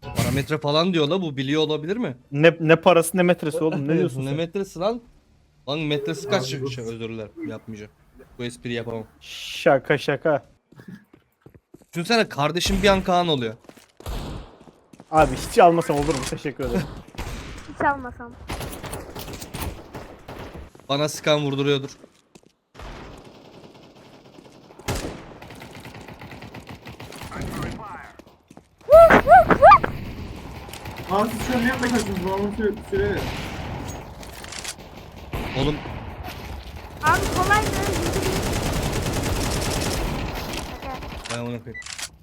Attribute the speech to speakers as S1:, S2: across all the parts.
S1: Parametre falan diyor la, bu biliyor olabilir mi?
S2: Ne parası ne metresi oğlum, ne diyorsun
S1: Ne
S2: sen?
S1: metresi lan? Lan metresi kaç
S3: Abi bu-
S1: özür dilerim, yapmayacağım. Bu espri yapamam.
S2: Şaka şaka.
S1: Düşünsene kardeşim bir an Kaan oluyor.
S2: Abi hiç almasam olur mu? Teşekkür ederim.
S4: Hiç almasam.
S1: Bana sıkan vurduruyordur.
S3: Abi siz şu an ne yapmaya çalışıyorsunuz? Bana onu söyle.
S1: Oğlum
S4: Abi kolaydı.
S1: ben onu koyayım.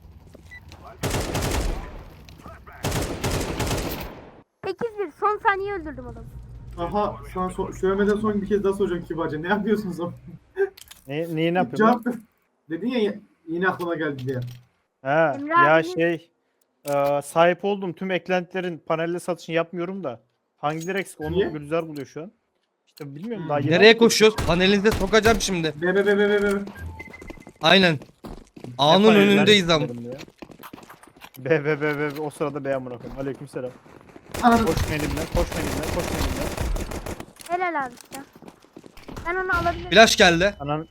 S4: Bir son saniye öldürdüm adamı.
S3: Aha sana söylemeden son bir kez daha soracağım kibarca. Ne yapıyorsunuz o?
S2: Neyi ne yapıyorsun?
S3: Cevap ver. Dedin ya yine aklıma geldi diye.
S2: Ha
S4: Emre
S2: ya
S4: abinin-
S2: sahip olduğum tüm eklentilerin panelde satışını yapmıyorum da. Hangileri eksik
S3: Niye?
S2: onu Gülizar buluyor şu an. İşte bilmiyorum daha yeni
S1: Nereye
S2: aldım.
S1: koşuyoruz? Panelinize sokacağım şimdi.
S3: Be.
S1: Aynen.
S2: Ne
S1: Ağanın
S2: paneller
S1: önündeyiz ama.
S2: isterim ya. Be o sırada be amına koyayım. Aleykümselam.
S3: Anladım.
S2: Koş benimle, koş benimle, koş benimle.
S4: Helal abi ya. Ben onu alabilirim.
S1: Flash geldi.
S2: Anan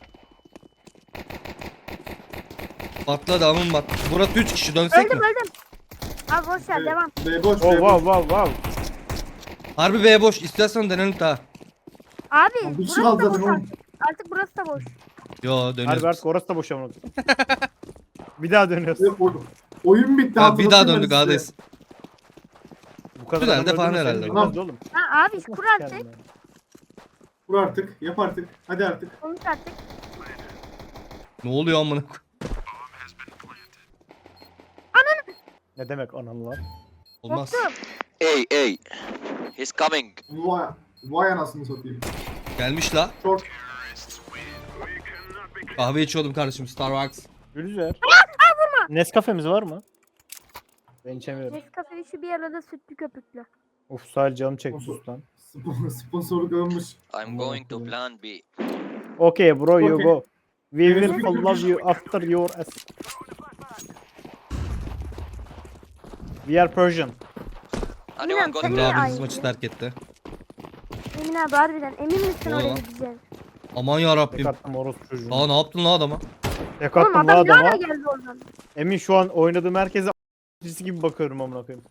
S1: Patladı amın bak. Burası 3 kişi, dönsek
S4: Öldüm
S1: mi?
S4: öldüm. Abi boş ver devam.
S3: Be boş.
S2: oh
S3: Be boş.
S2: wow.
S1: Harbi B boş. İstersen dönelim daha.
S4: Abi
S3: Bir
S4: burası
S3: şey kaldı
S4: da
S3: zaten
S4: boş
S3: oğlum.
S4: artık. Artık burası da boş.
S1: Yo
S2: Harbi
S1: dönüyoruz.
S2: artık orası da boş amına koyayım. Bir daha dönüyoruz.
S3: Oyun bitti.
S1: Ya bir daha
S3: hatırlatayım ben
S1: döndük
S3: size.
S1: ağdayız.
S2: Bu kadar
S1: Güzel
S2: adam
S1: de falan
S2: öldürmese
S1: herhalde.
S2: bilmezdi oğlum.
S4: Ha abi kur artık.
S2: Kendine.
S3: Vur artık. Yap artık. Hadi artık.
S4: Konuş artık.
S1: Ne oluyor amına koyayım?
S2: Ne demek anan lan?
S1: Olmaz.
S4: Korktum.
S5: Hey, he's coming.
S3: Vay anasını satayım.
S1: Gelmiş la.
S3: Short.
S1: Kahve içiyordum kardeşim, Starbucks.
S2: Gülizar. Nescafe'miz var mı? Ben içemiyorum.
S4: Nescafe işi bir arada sütlü köpüklü.
S2: Of sahil canım çekti sus lan.
S3: Sponsorluk alınmış.
S5: I'm going to plan B.
S2: Okay bro you
S3: Okay.
S2: go. We
S3: Evet.
S2: will follow you after your ass. We are Persian.
S5: Anyone
S4: Bilmem,
S5: got
S4: sen
S1: Emre
S4: niye
S1: abiniz
S4: aynı?
S1: maçı terk etti.
S4: Emin abi harbiden emin misin
S1: Doğru
S4: oraya
S1: lan.
S4: gideceğin?
S1: Aman ya
S2: Tek
S1: Rabbim.
S2: attım orospu çocuğunu.
S1: Aa ne yaptın la adama?
S2: Tek
S4: Oğlum
S2: attım la
S4: adam ne ara
S2: adama.
S4: geldi oradan?
S2: Emin şu an oynadığım herkese a**cisi gibi bakıyorum amına koyayım.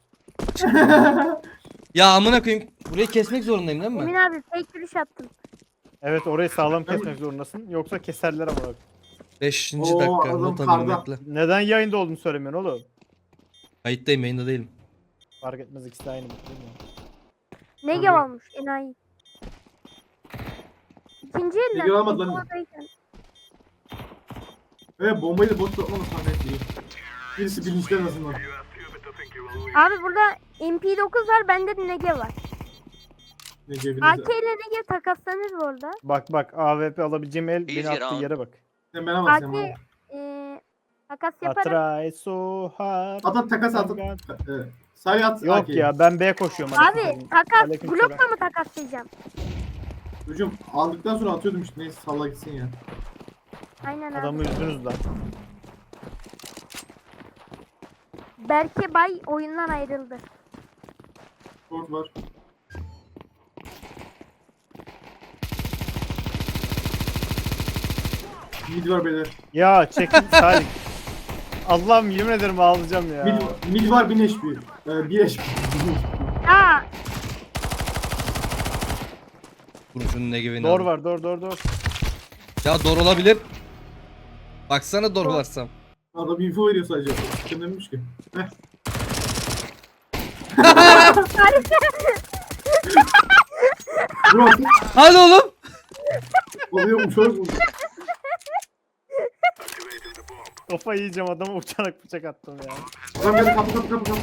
S1: Ya amına koyayım. Burayı kesmek zorundayım değil
S4: Emin
S1: mi?
S4: abi fake yürüyüş attım.
S2: Evet orayı sağlam kesmek zorundasın. Yoksa keserler amına koyayım.
S1: 5.
S3: Oo,
S1: dakika.
S3: adam
S1: Not
S3: karda.
S1: alayım bekle.
S2: Neden yayında olduğunu söylemiyorsun oğlum?
S1: Kayıttayım, yayında değilim.
S2: Fark etmez ikisi de aynı. Değil mi?
S4: Ne
S3: Tamam.
S4: olmuş enayi. İkinci elden.
S3: Negev almadı lan.
S4: Ekomadayken.
S3: Evet bombayı da boş bırakmamız zannettiği. Birisi bilinçli en azından.
S4: Abi burada MP9 var bende de Negev var.
S3: Negev
S4: AK
S3: bilinçli.
S4: ile Negev takaslanır bu arada.
S2: Bak AWP alabileceğim el beni
S5: Easy
S2: attığı
S5: round.
S2: yere bak.
S3: Sen bana bak sen
S4: AK
S3: bana.
S4: takas yaparım.
S2: Try so hard.
S3: At takas at. Salih at.
S2: Yok
S3: AK'yi.
S2: ya ben B koşuyorum.
S4: Abi takas
S2: Aleykümselam.
S4: blokla mı takaslayacağım?
S3: Çocuğum aldıktan sonra atıyordum işte neyse salla gitsin ya.
S4: Aynen abi.
S2: Adamı üzdünüz lan.
S4: Berke Bay oyundan ayrıldı.
S3: Short var. Mid var beyler.
S2: Ya çekin Salih. Allah'ım yemin ederim ağlayacağım ya.
S3: Mid var 1000 HP. 1 HP.
S4: Aa
S1: Durun şunun ne gibi.
S2: Dor var dor.
S1: Ya doğru olabilir. Baksana doğru varsam.
S3: Adam info veriyor sadece. Kim demiş ki? Heh. Bro
S1: Hadi oğlum.
S3: oluyormuş oğlum.
S2: Kafa yiyeceğim adama uçarak bıçak attım ya.
S3: Adam geldi kapı.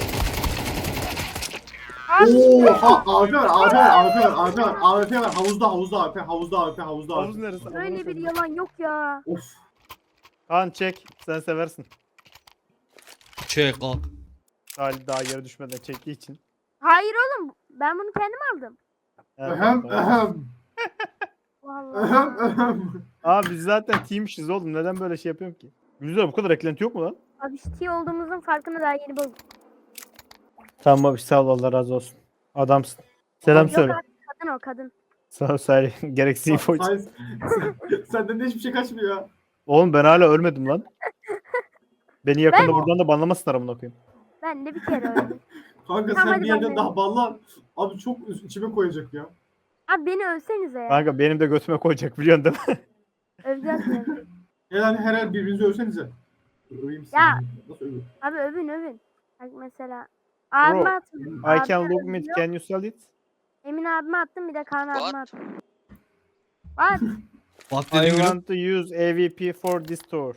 S4: abi
S3: Oha AWP var AWP var havuzda AWP
S2: Havuz neresi?
S4: böyle bir yalan yok ya.
S3: Of.
S2: Kaan çek. Sen seversin.
S1: Çek al.
S2: Salih daha yere düşmeden çektiği için.
S4: Hayır oğlum ben bunu kendim aldım.
S2: Evet,
S3: Ehem
S2: tamam.
S3: ehem.
S4: Vallahi.
S2: Abi biz zaten team'işiz oğlum. Neden böyle şey yapıyorum ki? Güzel bu kadar eklenti yok mu lan?
S4: Abi ciddi olduğumuzun farkını daha yeni buldum.
S2: Tamam abi sağ ol Allah razı olsun. Adamsın. Selam
S4: Yok
S2: söyle.
S4: abi, kadın o kadın.
S2: Sağ ol Salih. Gereksiz info için.
S3: Hayır. Senden de hiçbir şey kaçmıyor ya.
S2: Oğlum ben hala ölmedim lan. Beni yakında
S4: Ben-
S2: buradan da banlamasınlar amına koyayım.
S4: Ben de bir kere öldüm.
S3: Kanka
S4: Tamam,
S3: sen
S4: hadi
S3: bir yerden
S4: ben
S3: daha ballan. Abi çok içime koyacak ya.
S4: Abi beni övsenize ya.
S2: Kanka benim de götüme koyacak biliyorsun değil mi?
S4: Öveceğiz mi?
S3: Yani her el birbirinizi övsenize. Öveyim sizi.
S4: Ya.
S3: Nasıl öveyim?
S4: Abi övün. Bak mesela. Abime attım.
S2: I can
S4: abime
S2: look mid.
S4: övüyor.
S2: Can you sell it?
S4: Emin abime attım bir de Kaan abime
S5: What?
S4: attım. What?
S1: Bak
S2: I
S1: dediğin gülüm.
S2: want to use AVP for this tour.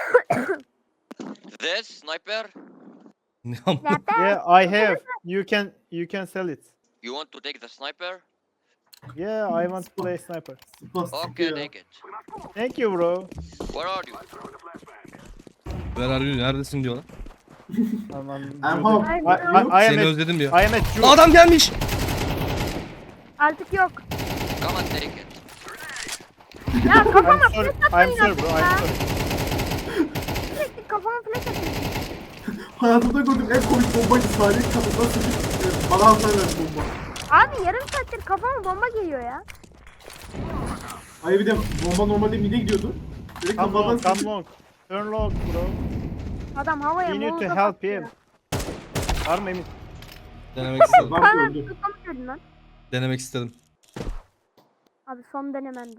S5: This sniper.
S4: Zaten
S2: Yeah, I have. You can sell it.
S5: You want to take the sniper?
S2: Yeah, I want to play sniper.
S3: Spastik
S5: Okay,
S3: ya.
S5: take it.
S2: Thank you bro.
S5: Where are you?
S1: Where are you? Neredesin diyorlar.
S2: Aman.
S3: I'm
S2: Jude.
S3: home.
S2: I am
S1: Seni
S2: at,
S1: özledim diyor.
S2: I am at Jude.
S1: Adam gelmiş.
S4: artık yok.
S5: Come and take it.
S4: Ya kafama
S2: I'm sorry.
S4: flash atmayın
S2: I'm sorry
S4: artık
S2: bro.
S4: ya.
S2: I'm sorry.
S4: Sürekli kafama flash atın.
S3: Hayatımda gördüğüm en komik bombaydı. Salih kafasına sıkıp bana hasar verdi bomba.
S4: Abi yarım saattir kafama bomba geliyor ya.
S3: Hayır bir de bomba normalde mide gidiyordu. Direkt
S2: Come
S3: kafadan
S2: long, come
S3: sıkıp.
S2: long. Turn long bro.
S4: Adam havaya
S2: We need to
S4: molotof
S2: help
S4: atıyor.
S2: him. Var mı Emin?
S1: Denemek istedim.
S3: Bak
S4: Kaan
S3: öldü.
S4: abi tutamıyordun lan.
S1: Denemek istedim.
S4: Abi son denememdi.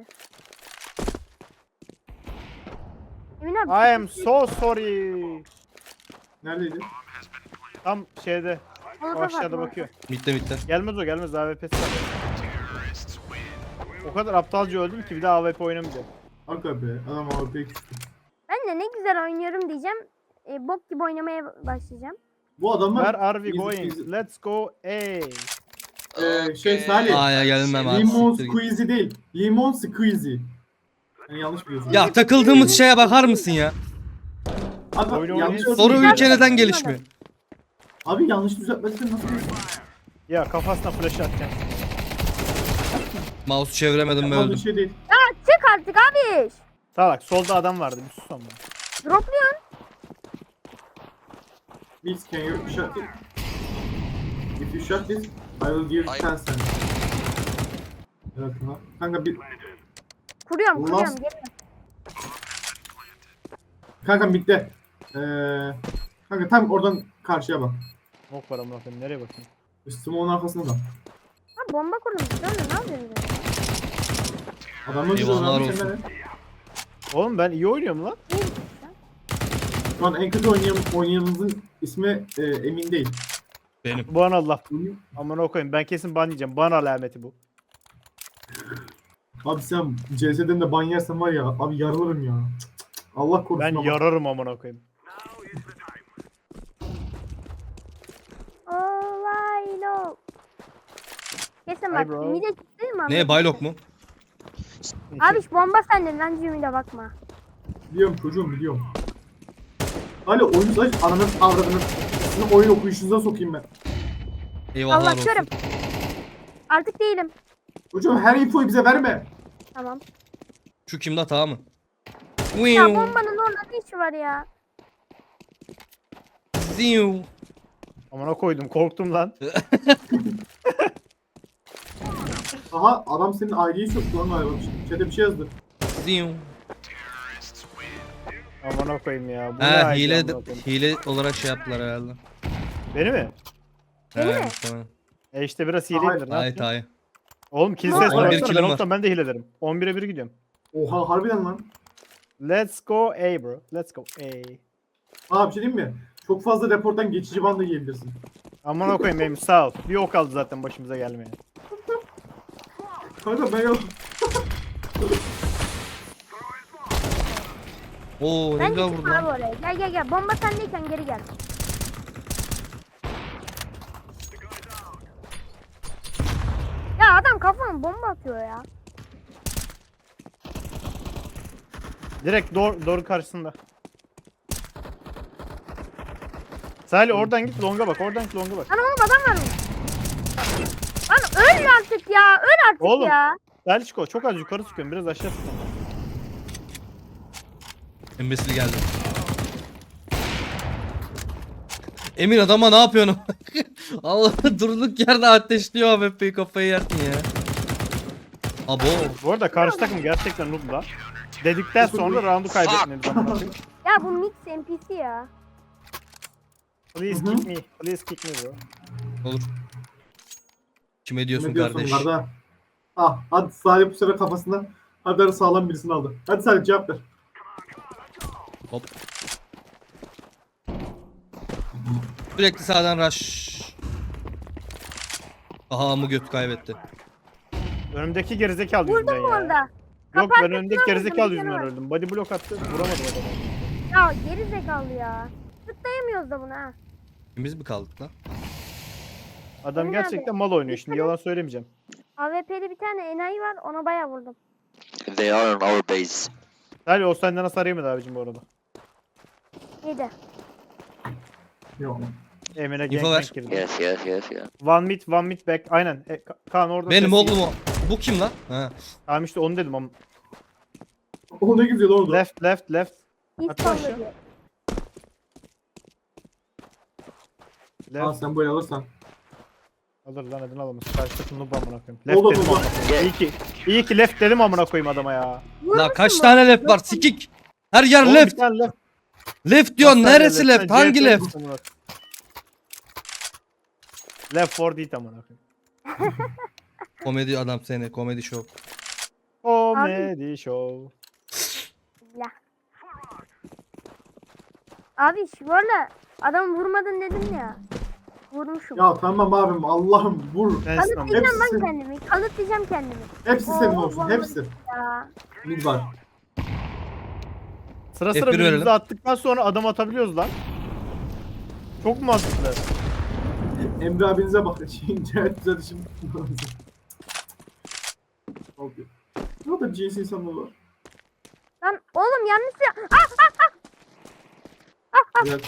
S4: Emin abi.
S2: I am so sorry.
S3: Neredeydi?
S2: Tam şeyde. O
S4: molotof
S2: aşağıda
S4: atma.
S2: bakıyor.
S1: Bitti.
S2: Gelmez o gelmez AWP'si var. O kadar aptalca öldüm ki bir daha AWP oynamayacağım.
S3: Arka be. Adam AWP'ye küstü.
S4: Ben de ne güzel oynuyorum diyeceğim. Bok gibi oynamaya başlayacağım.
S3: Bu adamlar
S2: Where are we
S3: Easy,
S2: going?
S3: easy.
S2: Let's go A.
S3: Şey, Salih.
S1: A'ya gelmem abi.
S3: Limon
S1: siktir git.
S3: squeezy değil. Limon squeezy. Yani yanlış biliyorsun.
S1: Ya takıldığımız şeye bakar mısın ya?
S3: Abi,
S2: oyunu
S3: yanlış
S2: oynayın.
S1: Soru
S3: öğretmen-
S1: ülke neden gelişmiyor?
S3: Abi yanlış düzeltmediysen nasıl diyorsun?
S2: Ya kafasına flash atacağım.
S1: Mouse çeviremedim ve
S3: Yapmadığın
S1: öldüm.
S3: şey değil.
S4: Çık artık abi.
S2: Salak solda adam vardı bir sus ama.
S4: Dropluyorsun.
S3: Please can you shut it? If you shut this, I will give
S5: Hayır.
S3: 10 cents. Evet ha. Kanka bir
S4: Kuruyorum
S3: Ulan.
S4: geliyorum.
S3: kanka bitti. Kanka tam oradan karşıya bak.
S2: Mok var amına koyayım nereye bakayım?
S3: Smoke'un arkasında da.
S4: Ha bomba kurulmuş. Sen de ne yapıyorsun?
S3: Adamlar güzel
S1: Eyvallah
S3: oynamış
S1: olsun.
S3: sen de.
S2: Oğlum ben iyi oynuyorum lan.
S3: Şu an en kötü oynayanımızın ismi Emin değil.
S1: Benim.
S2: Bana Allah.
S3: Emin-
S2: Amına koyayım ben kesin ban yiyeceğim. Bana alameti bu.
S3: Abi sen CS'den de ban yersen var ya abi yarılırım ya. Cık cık cık. Allah korusun
S2: Ben
S3: ama.
S2: yararım amına koyayım.
S4: Oh I know. Kesin
S2: Hi
S4: bak.
S2: bro.
S4: Mide çıktı mı?
S1: Ne baylok mu?
S4: Abi şu bomba sende lan Cemile bakma.
S3: Biliyorum çocuğum biliyorum. Hala oyun saç ananın avradını. Sizin oyun okuyuşunuza sokayım ben.
S1: Eyvallah
S4: Allah
S1: olsun.
S4: körüm. Artık değilim.
S3: Çocuğum her infoyu bize verme.
S4: Tamam.
S1: Şu kimde hata mı?
S4: Ya bombanın orada ne işi var ya?
S1: Ziu.
S2: Amına koydum korktum lan.
S3: Aha adam senin aileyi soktu lan galiba. Şeyde bir şey yazdı.
S1: Ziu.
S2: Amına koyayım ya. Bu ne
S1: He
S2: ayıp
S1: hile,
S2: amına koyayım.
S1: hile olarak şey yaptılar herhalde.
S2: Beni mi?
S4: Beni mi?
S1: Tamam.
S2: İşte biraz
S3: Hayır.
S2: hileyimdir. Ne
S1: Hayır
S2: yapayım?
S1: hayır.
S2: Oğlum kill
S4: Ne
S2: ses
S4: oldu?
S2: var.
S1: 11
S2: Ben
S1: killim var.
S2: olsam ben de hile ederim. 11'e 1 gidiyorum.
S3: Oha harbiden lan.
S2: Let's go A bro. Let's go A.
S3: Aa bir şey diyeyim mi? Çok fazla reporttan geçici ban da yiyebilirsin.
S2: Amına koyayım benim sağ ol. Bir ok aldı zaten başımıza gelmeye.
S3: Kanka ben yok.
S1: Oo ne
S4: Ben
S1: güzel
S4: gittim
S1: vurdu
S4: abi
S1: lan.
S4: oraya. Gel. Bomba sendeyken geri gel. Ya adam kafama bomba atıyor ya.
S2: Direkt doğru karşısında. Salih oradan git longa bak. Oradan git longa bak.
S4: Lan oğlum adam var mı? Lan öl artık ya. Öl artık
S2: Oğlum.
S4: ya.
S2: Salih Çiko çok az yukarı sıkıyorum. Biraz aşağı sıkıyorum.
S1: Embesil geldi. Emin adama ne yapıyorsun? Allah durduk yerde ateşliyor AWP'yi, kafayı yersin ya. Abo.
S2: Bu arada karşı takım gerçekten noob lan. Dedikten sonra roundu kaybetmemiz ama.
S4: Ya bu mix NPC ya.
S2: Please
S3: Hı hı.
S2: kick me. Please kick me bro.
S1: Olur. Kime diyorsun
S3: Ne diyorsun
S1: kardeş?
S3: Arda? Ah, hadi Salih bu sefer kafasında Arda sağlam birisini aldı. Hadi Salih cevap ver.
S1: Hop. Sürekli sağdan rush. Aha amı göt kaybetti.
S2: Önümdeki gerizekalı
S4: Vurdun
S2: yüzünden
S4: mu
S2: ya.
S4: orada?
S2: Yok
S4: Kapı
S2: ben
S4: arkasına
S2: önümdeki
S4: vurdum,
S2: gerizekalı
S4: bir
S2: yüzünden
S4: tane var.
S2: öldüm. Body block attı. Vuramadım adamı.
S4: Ya geri zekalı ya. Tıklayamıyoruz da buna ha.
S1: Biz mi kaldık lan?
S2: Adam
S4: Emin
S2: gerçekten
S4: abi.
S2: mal oynuyor. Şimdi yalan söylemeyeceğim.
S4: AWP'li bir tane enayi var ona bayağı vurdum.
S5: They are on our base.
S2: Salih o senden hasar yemedi abicim bu arada.
S4: Yedi.
S3: Yok.
S2: Emine
S1: İnfo
S2: gangbang
S1: ver.
S2: girdi.
S5: Yes, yes, yes, yes.
S2: One mid back. Aynen. Kaan orada.
S1: Benim
S2: sesi-
S1: oğlum o. Bu kim lan? Ha.
S2: Tamam işte onu dedim ama.
S3: O ne güzel oldu.
S2: Left.
S4: İlk
S2: Atla
S4: sonunda
S2: aşağı.
S4: diyor.
S3: Aa,
S2: Left.
S3: sen böyle alırsan.
S2: Alır lan adını alamaz. Karşı takım noob amına koyayım.
S3: Oldu,
S2: Left dedim
S3: oldu.
S2: amına koyayım. İyi ki left dedim amına koyayım adama ya.
S1: La
S4: Vurmuşsun
S1: kaç
S4: mu?
S1: tane left var? Sikik. Her yer
S2: Oğlum
S1: left.
S2: bir tane left.
S1: Left diyorsun.
S2: Nasıl
S1: Neresi
S2: sen
S1: left? Hangi
S2: CHP
S1: left?
S2: misin amına koyayım? Left 4 değil amına koyayım.
S1: Komedi adam seni. Komedi show.
S2: Comedy show.
S4: Ya. Abi şu arada adam vurmadın dedim ya. Vurmuşum.
S3: Ya tamam abim Allah'ım vur.
S2: Sensin amına.
S4: Kanıtlayacağım
S3: Hepsi-
S4: lan kendimi. Kanıtlayacağım kendimi.
S3: Hepsi senin
S4: Oo,
S3: olsun.
S4: vallahi
S3: Hepsi.
S4: Ya.
S3: Mid var.
S2: Sıra
S1: F1
S2: birbirimize
S1: verelim.
S2: attıktan sonra adam atabiliyoruz lan. Çok mantıklı.
S3: Emre abinize bak. İnternet düzeltişim. Oldu. Ne kadar cins insanlar var.
S4: Lan oğlum yanlış ya.
S3: Helal.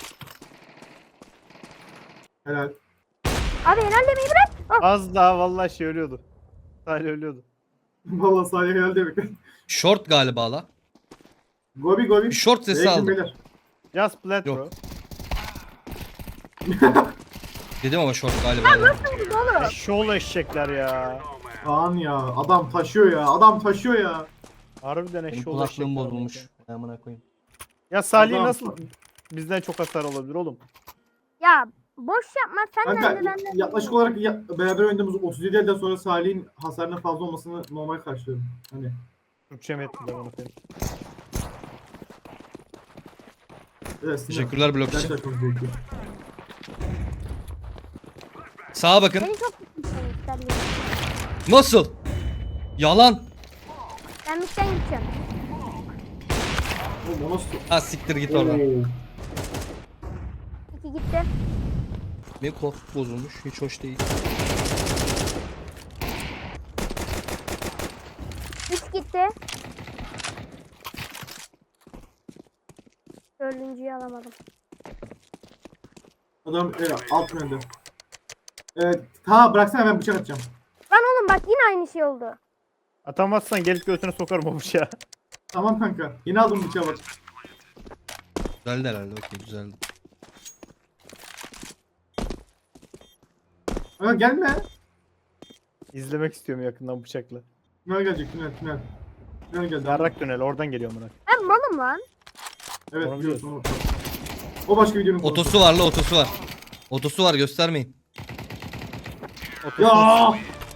S3: Helal.
S4: Abi helal demeyi bırak. Ah,
S2: Az daha vallahi şey ölüyordu. Salih ölüyordu.
S3: Valla Salih helal demek.
S1: Short galiba la.
S3: Gobi gobi.
S1: Bir short sesi
S3: Beyler,
S1: aldım.
S3: beyler.
S2: Just plat
S1: Yok.
S2: bro.
S1: Dedim ama short galiba. ya.
S4: nasıl vurdu oğlum?
S2: Eşşoğlu eşekler ya.
S3: Kaan ya. Adam taşıyor ya. Adam taşıyor ya.
S2: Harbiden
S1: Benim
S2: eşşoğlu eşekler.
S1: kulaklığım bozulmuş. Amına koyayım.
S2: Ya Salih
S3: Adam-
S2: nasıl bizden çok hasar olabilir oğlum?
S4: Ya boş yapma sen de
S3: Kanka
S4: benden.
S3: yaklaşık olarak beraber oynadığımız 37 elden sonra Salih'in hasarının fazla olmasını normal karşılıyorum. Hani
S2: Türkçem etti de bana koyayım.
S3: evet,
S1: Teşekkürler blok için.
S3: Gerçekten çok zevkli.
S1: Sağa bakın.
S4: Beni çok tutmuşsun isterdim.
S1: Nasıl? Yalan.
S4: Ben mitten gideceğim.
S3: Oğlum o nasıl?
S1: Ha siktir git oradan.
S3: Oo.
S4: İki gitti.
S1: Benim koltuk bozulmuş. Hiç hoş değil.
S4: Üç gitti. Dördüncüyü alamadım.
S3: Adam alt yönde. Evet, ta bıraksana ben bıçak atacağım.
S4: Lan oğlum bak yine aynı şey oldu.
S2: Atamazsan gelip götüne sokarım o bıçağı.
S3: Tamam kanka. Yine aldım bıçağı bak.
S1: Güzeldi herhalde. Okey güzeldi.
S3: Ama gelme.
S2: İzlemek istiyorum yakından bıçakla.
S3: Tünel gelecek tünel. Tünel geldi.
S2: Yarrak tünel oradan geliyor bana.
S4: Ben malım lan.
S3: Evet
S2: Onu
S3: biliyorsun onu. O başka videonun konusu.
S1: Otosu var la, otosu var. Otosu var, göstermeyin.
S3: Ya.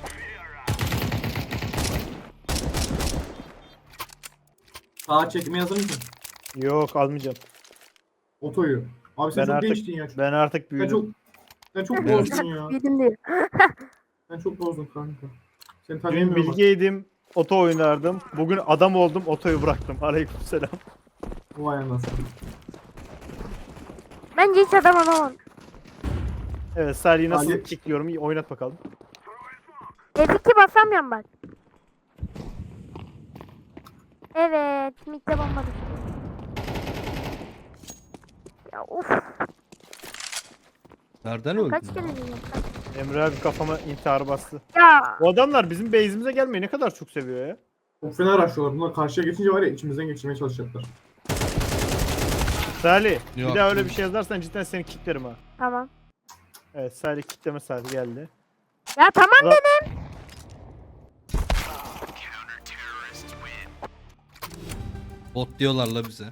S3: Sağa çekmeye hazır mısın?
S2: Yok almayacağım.
S3: Otoyu. Abi sen
S2: Ben
S3: çok
S2: artık
S3: değiştin ya.
S2: ben artık
S3: Sen
S2: büyüdüm.
S3: çok sen çok bozdun ya.
S4: Yedim diyor.
S3: Sen çok bozdun kanka. Seni
S2: Dün
S3: tanıyamıyorum.
S2: bilgeydim, oto oynardım. Bugün adam oldum, otoyu bıraktım. Aleykümselam.
S3: Vay anasını.
S4: Bence hiç adam olamam.
S2: Evet, Salih'i nasıl
S3: Salih-
S2: kickliyorum? İyi, oynat bakalım.
S4: F2 basamıyorum bak. Evet. Mitte bomba düştü. Ya of.
S1: Nereden öldün?
S4: Kaç
S1: ya?
S4: kere diyeceğim.
S2: Emre abi kafama intihar bastı.
S4: Ya.
S2: Bu adamlar bizim base'imize gelmeyi ne kadar çok seviyor ya.
S3: Çok fena araştırıyorlar. Bunlar karşıya geçince var ya içimizden geçirmeye çalışacaklar.
S2: Salih,
S1: Yok.
S2: bir daha öyle bir şey yazarsan cidden seni kicklerim ha.
S4: Tamam.
S2: Evet Salih kitleme saati geldi.
S4: Ya tamam
S2: Ulan-
S4: dedim.
S1: Bot diyorlar la bize.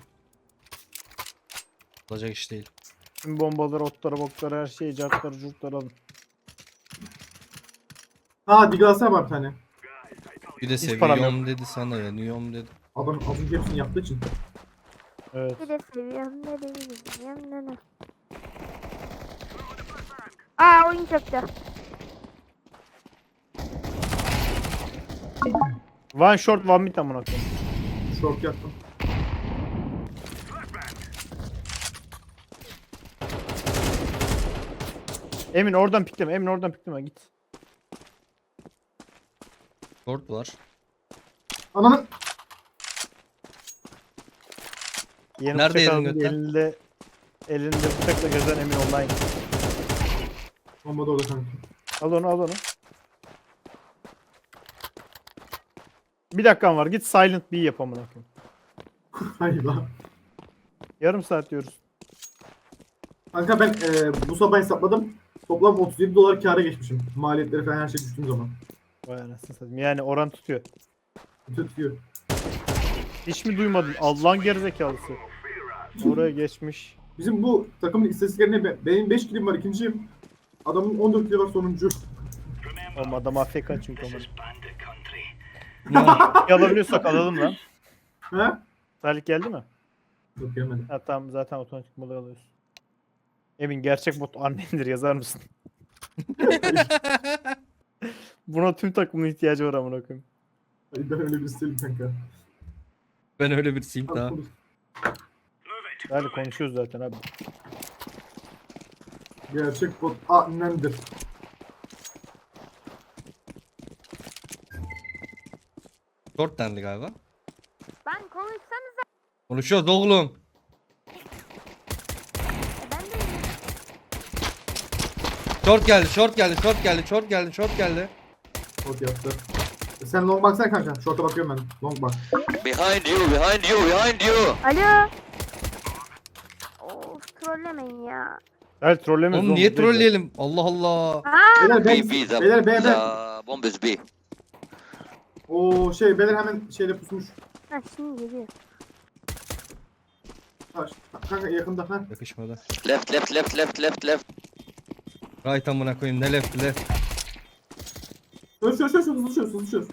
S1: Olacak iş değil.
S2: Tüm bombaları, otları, bokları, her şeyi, cartları, curtları alın.
S3: Ha Diglas'a var bir tane.
S1: Bir de
S2: Hiç param
S1: seviyorum dedi sana yanıyorum dedi.
S3: Adam az önce hepsini yaptığı için.
S2: Evet.
S4: Bir de seviyorum ne bileyim ne. Aa oyun çöktü.
S2: One short, one mid amına koyayım.
S3: Short yaptım.
S2: Emin oradan pikleme, Emin oradan pikleme git.
S1: Short var.
S3: Ananı.
S2: Yeni
S1: Nerede
S2: bıçak
S1: yedin
S2: aldı,
S1: götten?
S2: elinde bıçakla gezen Emin online.
S3: Bomba da orada sanki.
S2: Al onu, al onu. Bir dakikan var, git silent B yap amına koyayım.
S3: Hayır lan.
S2: Yarım saat diyoruz.
S3: Kanka ben bu sabah hesapladım. Toplam 37 dolar kâra geçmişim. Maliyetleri falan her şey düştüğüm zaman.
S2: Vay anasını satayım. Yani oran tutuyor.
S3: Tutuyor.
S2: Hiç mi duymadın? Allah'ın gerizekalısı. Oraya geçmiş.
S3: Bizim bu takımın istatistiklerine benim 5 kilim var ikinciyim. Adamın 14 kili var sonuncu.
S2: Oğlum adam AFK çünkü ama.
S1: Ya,
S2: Alabiliyorsak alalım lan.
S3: He?
S2: Salih geldi mi?
S3: Yok gelmedi.
S2: Ha tamam zaten otomatik moda alıyoruz. Emin gerçek bot annendir yazar mısın? Buna tüm takımın ihtiyacı var amına koyayım.
S3: Ben öyle birisi değilim kanka.
S1: ben öyle birisiyim daha.
S2: Salih konuşuyoruz zaten abi.
S3: Gerçek bot annemdir.
S1: Short dendi galiba.
S4: Ben konuşsanıza.
S1: Konuşuyoruz oğlum.
S4: Ben de
S1: Short geldi, short geldi, short geldi, short geldi, short geldi.
S3: Bot yaptı. Sen long baksana kanka. Short'a bakıyorum ben. Long bak.
S5: Behind you, behind you, behind you.
S4: Alo. Of trollemeyin ya.
S2: Salih trollemiyoruz.
S1: Oğlum niye trolleyelim? Allah Allah.
S4: Aa
S3: Beyler
S5: B,
S3: ben,
S5: B, the,
S3: beyler
S5: the
S3: beyler.
S5: bomb is B.
S3: Oo şey beyler hemen şeyle pusmuş.
S4: ha, şimdi geliyor.
S3: Ha, kanka yakında ha.
S1: Yakışmadı.
S5: Left, left, left, left, left, left.
S1: Right amına koyayım ne left left.
S3: Çöz hızlı çöz.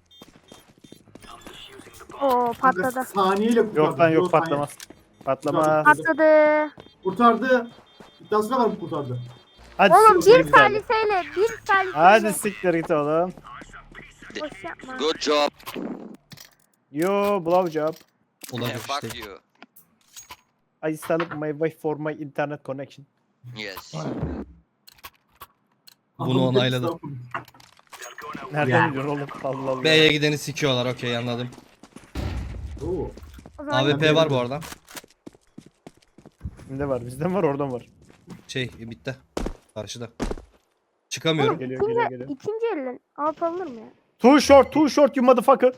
S4: Oo
S3: Kanka,
S4: patladı.
S3: saniyeyle kurtardı.
S2: Yok lan yok
S3: Yok, saniye.
S2: patlamaz. Patlamaz.
S4: Patladı.
S3: Kurtardı. İddiasına var bu kurtardı.
S2: Hadi
S4: Oğlum
S2: siktir
S4: bir
S2: git hadi.
S4: saliseyle bir saliseyle.
S2: Hadi siktir git oğlum.
S4: Boş yapma.
S5: Good job.
S2: Yo blow job.
S5: Yeah,
S1: Olacak
S5: fuck
S1: işte.
S5: you.
S2: I installed my wifi for my internet connection.
S5: Yes.
S1: Bunu
S3: Adam
S1: onayladı.
S3: hepsi-
S2: Nereden
S3: Ya.
S2: biliyorsun oğlum? Allah Allah.
S1: B'ye gideni sikiyorlar okey anladım.
S3: Oo.
S4: O zaman
S1: AWP var bu arada.
S2: Kimde var? Bizden var oradan var.
S1: Bitti. Karşıda. Çıkamıyorum.
S2: Geliyor geliyor geliyor.
S4: ikinci elin alt alınır mı ya?
S2: Too short you motherfucker.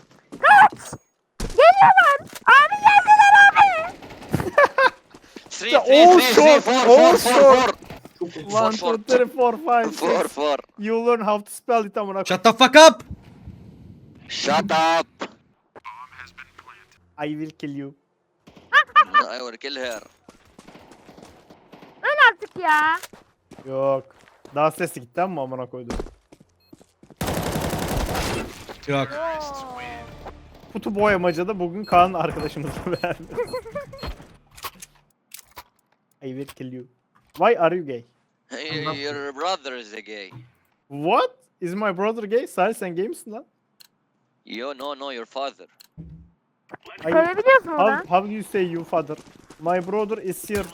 S4: Geliyorlar. Abi geldiler abi.
S5: 3,
S2: Ya,
S5: 3,
S2: all
S5: 3, 3,
S2: short,
S5: 4,
S2: all
S5: 4, 4,
S2: short.
S5: 4.
S3: Çok kötü.
S2: 1, 2, 3, 4, 5,
S5: 4,
S2: 6.
S5: 4.
S2: You learn how to spell it amına.
S1: Shut the fuck up.
S5: Shut up.
S2: I will kill you.
S5: I will kill her.
S4: Öl artık ya.
S2: Yok. Daha sesli gitti ama amına koydum.
S1: Yok.
S4: Oo.
S2: Kutu boyamacada bugün Kaan arkadaşımızı verdi. I will kill you. Why are you gay?
S5: Your brother is a gay.
S2: What? Is my brother gay? Salih sen gay misin lan?
S5: You no, your father.
S4: Söyleyebiliyorsun oradan.
S2: How do you say you father? My brother is here.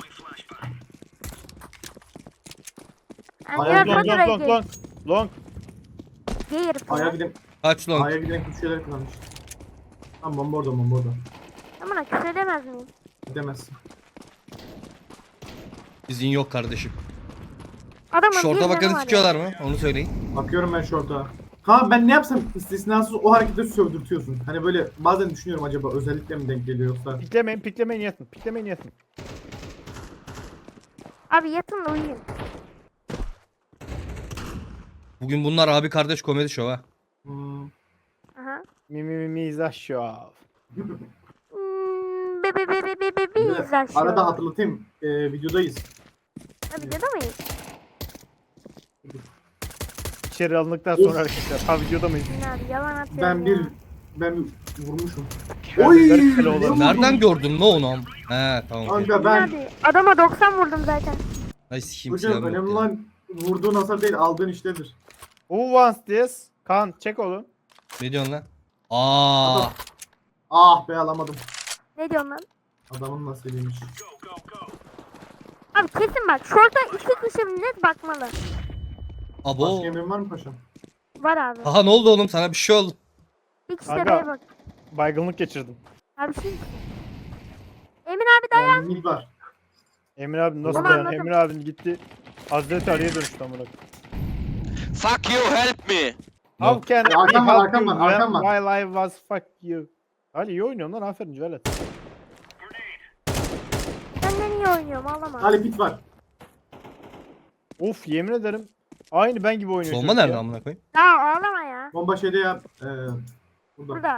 S4: Yani
S3: Ayağı
S4: diğer
S2: Long
S3: Long,
S2: long
S4: faturayı
S2: long long. Long.
S4: gay herif
S3: A'ya
S4: ya.
S3: giden,
S1: Kaç long?
S3: A'ya giden kötü şeyler kullanmış. Tamam bomba orada.
S4: Amına küfür edemez miyim?
S3: Gidemezsin.
S1: Bizin yok kardeşim.
S4: Adamın bir
S1: Şorta
S4: canı
S1: bakanı
S4: var ya.
S1: sikiyorlar mı? Onu söyleyin.
S3: Bakıyorum ben short'a. Kaan ben ne yapsam istisnasız o hareketi sövdürtüyorsun. Hani böyle bazen düşünüyorum acaba özellikle mi denk geliyor yoksa.
S2: Piklemeyin yatın.
S4: Abi yatın da uyuyun.
S1: Bugün bunlar abi kardeş komedi şov ha.
S3: Hmm.
S4: Aha.
S2: Mizah şov.
S4: Be be be be be be
S3: Bir de
S4: izler şu.
S3: Arada hatırlatayım. Videodayız.
S4: Ha, videoda mıyız?
S2: İçeri alındıktan
S3: Of.
S2: sonra arkadaşlar. Ha videoda mıyız?
S4: Yine abi yalan atıyor
S3: Ben bir vurmuşum.
S2: Ben de garip kale olalım.
S1: Nereden gördün ne onu? He tamam. okey.
S3: Kanka ben
S4: Abi adama 90 vurdum zaten.
S1: Ay sikeyim
S3: hocam
S1: silahım yok
S3: önemli
S1: ya.
S3: olan vurduğun hasar değil aldığın işledir.
S2: Who wants this? Kaan çek oğlum.
S1: Ne diyorsun lan? Aa.
S3: Ah be alamadım.
S4: Ne diyorsun lan?
S3: Adamın nasibiymiş.
S4: Abi kesin bak şorta 2 kişi net bakmalı.
S1: Abo.
S3: Başka emrin var mı paşam?
S4: Var abi.
S1: Aha ne oldu oğlum sana bir şey oldu.
S4: Bir kişi
S2: Aga.
S4: de B'ye bak.
S2: Baygınlık geçirdim.
S4: Abi şey. Emin abi dayan.
S3: Mid var.
S2: Emir abi nasıl
S4: Tamam,
S2: dayan?
S4: anladım.
S2: Emir abin gitti. Hazreti Ali'ye dönüştü amına.
S5: Fuck you, help me.
S2: How can
S3: Ya, arkam
S2: I
S3: var,
S2: help
S3: arkam
S2: you
S3: var, arkam
S2: when-
S3: var.
S2: while I was fuck you? Ali iyi oynuyorsun lan aferin Cüvelet.
S4: Senden iyi oynuyorum ağlama.
S3: Ali pit var.
S2: Of yemin ederim. Aynı ben gibi oynuyor.
S1: Bomba
S2: çocuk
S1: nerede
S2: ya.
S1: amına koyayım?
S4: Ya ağlama ya.
S3: Bomba şeyde ya. Burada.
S4: Burada.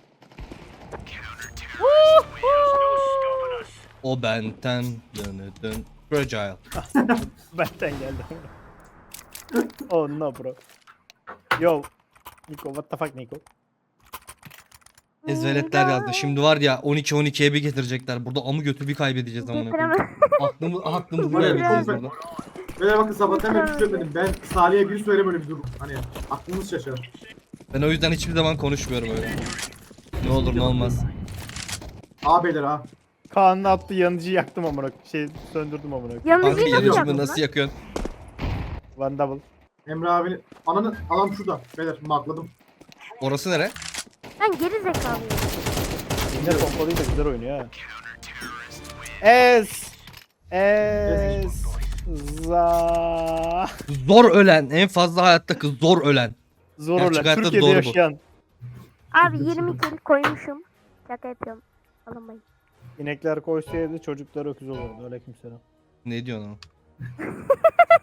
S1: O benten dön. Fragile.
S2: Benden geldi. Oh no bro. Yo. Nico what the fuck Nico?
S1: Ezveletler yazdı. Şimdi var ya 12-12'ye bir getirecekler. Burada amı götür bir kaybedeceğiz amına koyayım.
S4: Getiremem.
S1: Aklımızı buraya
S4: Getiremem.
S1: vereceğiz burada.
S3: Böyle bakın sabahtan beri küfür etmedim. Ben Salih'e bir söyle böyle bir durum. Hani aklınız şaşar.
S1: Ben o yüzden hiçbir zaman konuşmuyorum öyle. Ne olur ne olmaz.
S3: Ağabeyler ha.
S2: Kaan'ın attığı yanıcıyı yaktım amına. Söndürdüm amına.
S1: Kanka
S4: Yanıcıyı nasıl
S1: yanıcımı
S4: yaptın
S1: nasıl
S4: lan?
S1: yakıyorsun?
S2: One double.
S3: Emre abini. Ananı adam şurada. Beyler makladım.
S1: Orası nere?
S4: Lan geri zekalıyım.
S2: Yine pompalıyla güzel oynuyor ha. Es. Es. Za.
S1: Zor ölen. En fazla hayatta kız zor ölen.
S2: Zor
S1: Gerçek
S2: olan.
S1: hayatta
S2: Türkiye'de
S1: doğru bu.
S2: yaşayan.
S4: Abi 20 kill koymuşum. Şaka yapıyorum. Alınmayın.
S2: İnekler koysaydı çocuklar öküz olurdu. Aleykümselam.
S1: Ne diyorsun oğlum?